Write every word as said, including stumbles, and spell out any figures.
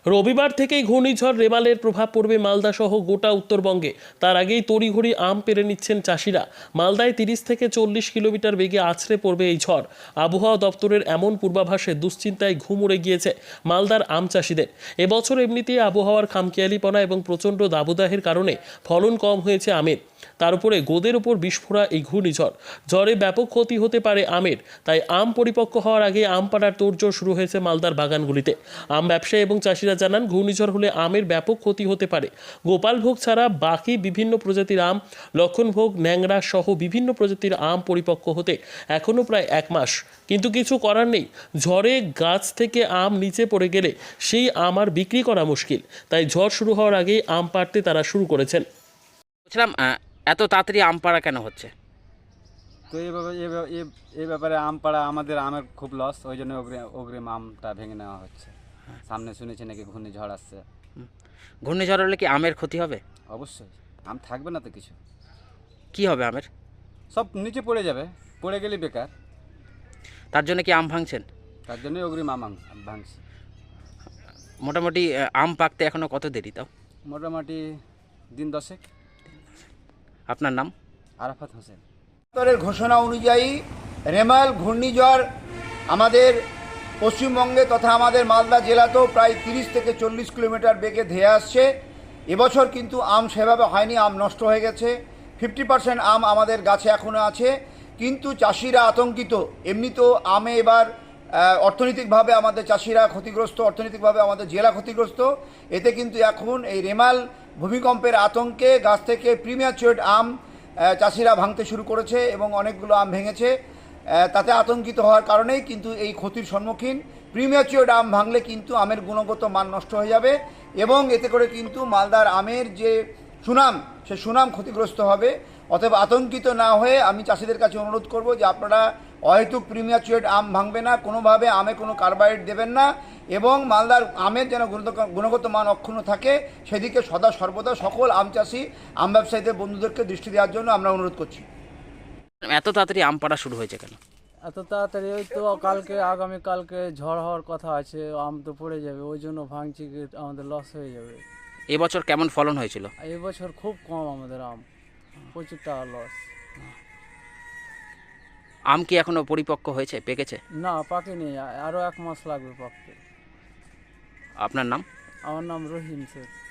রবিবার থেকেই ঘূর্ণিঝড় রেমালের প্রভাব পড়বে মালদা সহ গোটা উত্তরবঙ্গে। তার আগেই তড়িঘড়ি আম পেরে নিচ্ছেন চাষিরা। মালদায় তিরিশ থেকে চল্লিশ কিলোমিটার বেগে আছড়ে পড়বে এই ঝড়। আবহাওয়া দপ্তরের এমন পূর্বাভাসে দুশ্চিন্তায় ঘুম উড়ে গিয়েছে মালদার আম চাষিদের। এবছর এমনিতেই আবহাওয়ার খামখেয়ালিপনা এবং প্রচণ্ড দাবদাহের কারণে ফলন কম হয়েছে আমের। তার উপরে গোদের উপর বিস্ফোরা এই ঘূর্ণিঝড়। ঝড়ে ব্যাপক ক্ষতি হতে পারে আমের। তাই আম পরিপক্ক হওয়ার আগে আম পাড়ার তোড়জোড় শুরু হয়েছে মালদার বাগানগুলিতে। আম ব্যবসায়ী এবং চাষিরা জানান, ঘূর্ণিঝড় হলে আমের ব্যাপক ক্ষতি হতে পারে। গোপালভোগ ছাড়া বাকি বিভিন্ন প্রজাতির আম, লক্ষণভোগ, ন্যাংরা সহ বিভিন্ন প্রজাতির আম পরিপক্ক হতে এখনও প্রায় এক মাস। কিন্তু কিছু করার নেই। ঝড়ে গাছ থেকে আম নিচে পড়ে গেলে সেই আম আর বিক্রি করা মুশকিল। তাই ঝড় শুরু হওয়ার আগেই আম পাড়তে তারা শুরু করেছেন। বলছিলাম, এত তাড়াতাড়ি আম পাড়া কেন হচ্ছে? তো এইভাবে এই ব্যাপারে আম পাড়া আমাদের আমের খুব লস, ওই জন্য অগ্রিম আমটা ভেঙে নেওয়া হচ্ছে। সামনে শুনেছি নাকি ঘূর্ণিঝড় আসছে। ঘূর্ণিঝড় হলে কি আমের ক্ষতি হবে? অবশ্যই, আম থাকবে না তো কিছু। কি হবে আমের? সব নিচে পড়ে যাবে, পড়ে গেলে বেকার। তার জন্য কি আম ভাঙছেন? তার জন্যই অগ্রিম আম ভাঙছে। মোটামুটি আম পাকতে এখনো কত দেরি? তাও মোটামুটি দিন দশেক। আপনার নাম? আরাফাত হোসেন। দপ্তরের ঘোষণা অনুযায়ী রেমাল ঘূর্ণিঝড় আমাদের পশ্চিমবঙ্গে তথা আমাদের মালদা জেলাতেও প্রায় তিরিশ থেকে চল্লিশ কিলোমিটার বেগে ধেয়ে আসছে। এবছর কিন্তু আম সেভাবে হয়নি, আম নষ্ট হয়ে গেছে। ফিফটি পার্সেন্ট আম আমাদের গাছে এখনও আছে, কিন্তু চাষিরা আতঙ্কিত। এমনিতেও আমে এবার অর্থনৈতিকভাবে আমাদের চাষিরা ক্ষতিগ্রস্ত, অর্থনৈতিকভাবে আমাদের জেলা ক্ষতিগ্রস্ত। এতে কিন্তু এখন এই রেমাল ভূমিকম্পের আতঙ্কে গাছ থেকে প্রিম্যাচিওর আম চাষিরা ভাঙতে শুরু করেছে এবং অনেকগুলো আম ভেঙেছে। তাতে আতঙ্কিত হওয়ার কারণেই কিন্তু এই ক্ষতির সম্মুখীন। প্রিম্যাচিওর আম ভাঙলে কিন্তু আমের গুণগত মান নষ্ট হয়ে যাবে এবং এতে করে কিন্তু মালদার আমের যে সুনাম, সে সুনাম ক্ষতিগ্রস্ত হবে। অতএব আতঙ্কিত না হয়ে আমি চাষিদের কাছে অনুরোধ করব যে আপনারা অহেতুক প্রিম্যাচিওর আম ভাঙবে না, কোনোভাবে আমে কোনো কার্বাইড দেবেন না এবং মালদার আমের যেন গুণগত মান অক্ষুণ্ণ থাকে সেদিকে সদা সর্বদা সকল আম চাষি, আম ব্যবসায়ীদের বন্ধুদেরকে দৃষ্টি দেওয়ার জন্য আমরা অনুরোধ করছি। এত তাড়াতাড়ি আম পাড়া শুরু হয়েছে কেন? এত তাড়াতাড়ি ওই তো কালকে আগামীকালকে ঝড় হওয়ার কথা আছে, আম তো পড়ে যাবে, ওই জন্য ভাঙছি, আমাদের লস হয়ে যাবে। এবছর কেমন ফলন হয়েছিল? এই বছর খুব কম আমাদের আম, প্রচুর টাকা লস। আম কি এখনো পরিপক্ক হয়েছে, পেকেছে? না, পাকেনি, আরও এক মাস লাগবে পাকতে। আপনার নাম? আমার নাম রহিম শেখ।